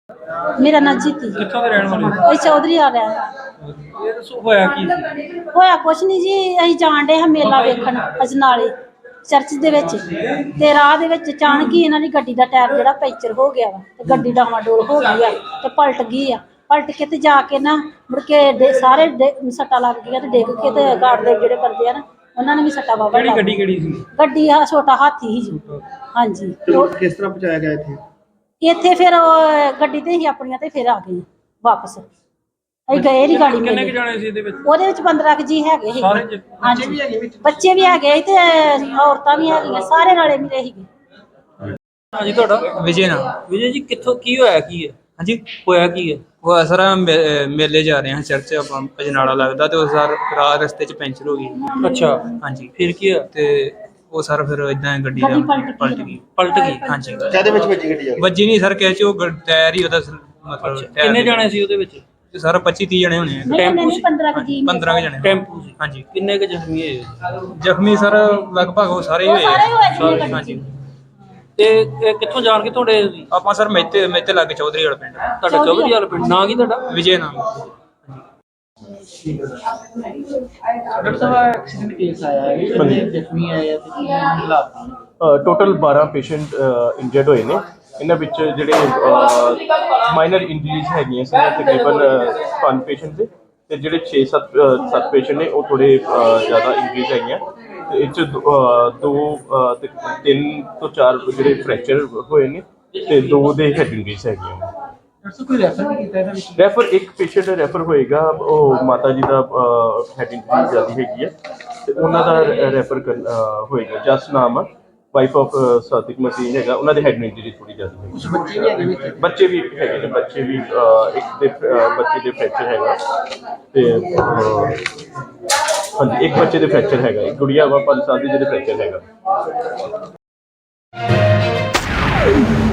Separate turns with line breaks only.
मेरा नाम जीती।
कित्थों दे रहण वाले?
ਅਸੀਂ ਚੌਧਰੀ ਆ ਰਿਹਾ।
ਇਹ ਦੱਸੋ ਹੋਇਆ ਕੀ ਸੀ?
ਹੋਇਆ ਕੁਛ ਨਹੀਂ ਜੀ, ਅਸੀਂ ਜਾਣ ਡੇ ਹਾਂ ਮੇਲਾ ਵੇਖਣ ਅਜਨਾਲੇ ਚਰਚ ਦੇ ਵਿੱਚ, ਤੇ ਰਾਹ ਦੇ ਵਿੱਚ ਅਚਾਨਕ ਹੀ ਇਹਨਾਂ ਦੀ ਗੱਡੀ ਦਾ ਟਾਇਰ ਜਿਹੜਾ ਪੈਂਚਰ ਹੋ ਗਿਆ ਵਾ, ਤੇ ਗੱਡੀ ਡਾਵਾਂਡੋਲ ਹੋ ਗਈ ਆ ਤੇ ਪਲਟ ਗਈ ਆ। ਪਲਟ ਕੇ ਤੇ ਜਾ ਕੇ ਨਾ ਮੁੜ ਕੇ ਸਾਰੇ ਸੱਟਾਂ ਲੱਗ ਗਈਆਂ ਤੇ ਡਿੱਗ ਕੇ ਤੇ ਗਾਰਡ ਦੇ ਜਿਹੜੇ ਬੰਦੇ ਆ ਨਾ ਉਹਨਾਂ ਨੇ ਵੀ ਸੱਟਾਂ ਵਾਵਾ ਲੱਗ ਗਈਆਂ।
ਕਿਹੜੀ ਸੀ?
ਗੱਡੀ ਆ ਛੋਟਾ ਹਾਥੀ ਸੀ ਜੀ। ਹਾਂਜੀ।
ਕਿਸ ਤਰ੍ਹਾਂ ਪਹੁੰਚਾਇਆ ਗਿਆ ਇੱਥੇ?
ਇੱਥੇ ਫਿਰ ਗੱਡੀ ਤੇ ਹੀ ਆਪਣੀਆਂ ਤੇ ਫਿਰ ਆ ਗਏ ਵਾਪਸ। ਅਸੀਂ ਗਏ ਨਹੀਂ ਗਾੜੀ
ਕਿੰਨੇ ਜਾਣੇ ਸੀ ਇਹਦੇ ਵਿੱਚ?
ਉਹਦੇ ਵਿੱਚ 15 ਜੀ ਹੈਗੇ ਸੀ।
ਸਾਰੇ
ਹਾਂਜੀ ਬੱਚੇ ਵੀ ਹੈਗੇ ਤੇ ਔਰਤਾਂ ਵੀ ਹੈਗੀਆਂ, ਸਾਰੇ ਨਾਲੇ ਮਿਲੇ ਸੀਗੇ।
ਹਾਂਜੀ ਤੁਹਾਡਾ?
ਵਿਜੇ ਨਾਮ।
ਵਿਜੇ ਜੀ ਕਿੱਥੋਂ ਕੀ ਹੋਇਆ ਕੀ ਹੈ?
ਹਾਂਜੀ
ਹੋਇਆ ਕੀ ਹੈ?
ਉਹ ਸਰ ਮੇਲੇ ਜਾ ਰਹੇ ਹਾਂ ਚਰਚ, ਆਪਾਂ ਅਜਨਾਲਾ ਲੱਗਦਾ, ਤੇ ਉਹ ਸਰ ਰਾਹ ਰਸਤੇ 'ਚ ਪੈਂਚਰ ਹੋ ਗਈ।
ਅੱਛਾ,
ਹਾਂਜੀ
ਫਿਰ ਕੀ ਹੋਇਆ?
ਤੇ ਉਹ ਸਰ ਫਿਰ ਇਦਾਂ ਗੱਡੀ ਦਾ ਪਲਟ ਗਈ। ਹਾਂਜੀ।
ਕਾਹਦੇ ਵਿੱਚ ਵੱਜੀ ਗੱਡੀ?
ਵੱਜੀ ਨਹੀਂ ਸਰ, ਕਹਿ ਚ ਉਹ ਟਾਇਰ ਹੀ ਉਹਦਾ ਮਤਲਬ
ਕਿੰਨੇ ਜਾਣੇ ਸੀ ਉਹਦੇ ਵਿੱਚ?
ਸਰ 25-30 ਜਣੇ ਹੋਣੇ ਆ।
ਟੈਂਪੂ ਸੀ?
15 ਜੀ
15 ਜਣੇ।
ਟੈਂਪੂ ਸੀ?
ਹਾਂਜੀ।
ਕਿੰਨੇ ਕੁ ਜ਼ਖਮੀ ਹੋਏ?
ਜ਼ਖਮੀ ਸਰ ਲਗਭਗ ਉਹ ਸਾਰੇ ਹੋਏ ਆ। ਹਾਂਜੀ।
ਤੇ ਇਹ ਕਿੱਥੋਂ ਜਾਣ ਕੇ ਤੁਹਾਡੇ?
ਆਪਾਂ ਸਰ ਮੇਤੇ ਲੱਗ ਚੌਧਰੀ ਵਾਲਾ ਪਿੰਡ।
ਤੁਹਾਡਾ ਚੌਧਰੀ ਵਾਲਾ ਪਿੰਡ? ਨਾਂ ਕੀ ਤੁਹਾਡਾ?
ਵਿਜੇ ਨਾਮ।
डॉक्टर साहब एक्सीडेंट केस आया है, कितने जख्मी आए हैं ਤੇ ਕੀ ਹਾਲਾਤ ਨੇ?
ਟੋਟਲ 12 ਪੇਸ਼ੈਂਟ ਇੰਜਰਡ ਹੋਏ ਨੇ। ਇਹਨਾਂ ਵਿੱਚ ਜਿਹੜੇ ਮਾਈਨਰ ਇੰਜਰੀਜ਼ ਹੈਗੀਆਂ ਸੀ ਤਕਰੀਬਨ 5 ਪੇਸ਼ੈਂਟ ਦੇ, ਤੇ ਜਿਹੜੇ 6-7 ਪੇਸ਼ੈਂਟ ਨੇ ਉਹ ਥੋੜੇ ਜ਼ਿਆਦਾ ਇੰਜਰੀਜ਼ ਹੈਗੀਆਂ। ਤੇ ਇਹ 'ਚ 3 ਤੋਂ 4 ਜਿਹੜੇ ਫ੍ਰੈਕਚਰ ਹੋਏ ਨੇ ਤੇ 2 ਦੇ ਹੈਡ ਇੰਜਰੀਜ਼ ਹੈਗੀਆਂ।
ਡਾਕਟਰ ਸਾਹਿਬ ਕੋਈ ਰੈਫਰ ਨਹੀਂ ਕੀਤਾ ਇਹਦਾ ਵਿੱਚ?
ਰੈਫਰ ਇੱਕ ਪੇਸ਼ੈਂਟ ਰੈਫਰ ਹੋਏਗਾ, ਉਹ ਮਾਤਾ ਜੀ ਦਾ ਹੈਡ ਇੰਜਰੀ ਜ਼ਿਆਦਾ ਹੈਗੀ ਹੈ ਤੇ ਉਹਨਾਂ ਦਾ ਰੈਫਰ ਹੋਏਗਾ। ਜਸ ਨਾਮ ਵਾਈਫ ਆਫ ਸਾਦਿਕ ਮਸੀਹ ਹੈਗਾ, ਉਹਨਾਂ ਦੇ ਹੈਡ ਇੰਜਰੀ ਥੋੜੀ ਜ਼ਿਆਦਾ ਹੈ।
ਕੁਝ ਬੱਚੇ ਵੀ ਹੈਗੇ ਵਿੱਚ?
ਬੱਚੇ ਵੀ ਹੈਗੇ ਨੇ, ਬੱਚੇ ਵੀ ਇੱਕ ਦੇ ਬੱਚੇ ਦੇ ਫ੍ਰੈਕਚਰ ਹੈਗਾ ਤੇ ਹਾਂਜੀ ਇੱਕ ਬੱਚੇ ਦੇ ਫ੍ਰੈਕਚਰ ਹੈਗਾ, ਇੱਕ ਗੁੜੀਆ ਵਾ 5 ਸਾਲ ਦੀ ਜਿਹਦੇ ਫ੍ਰੈਕਚਰ ਹੈਗਾ।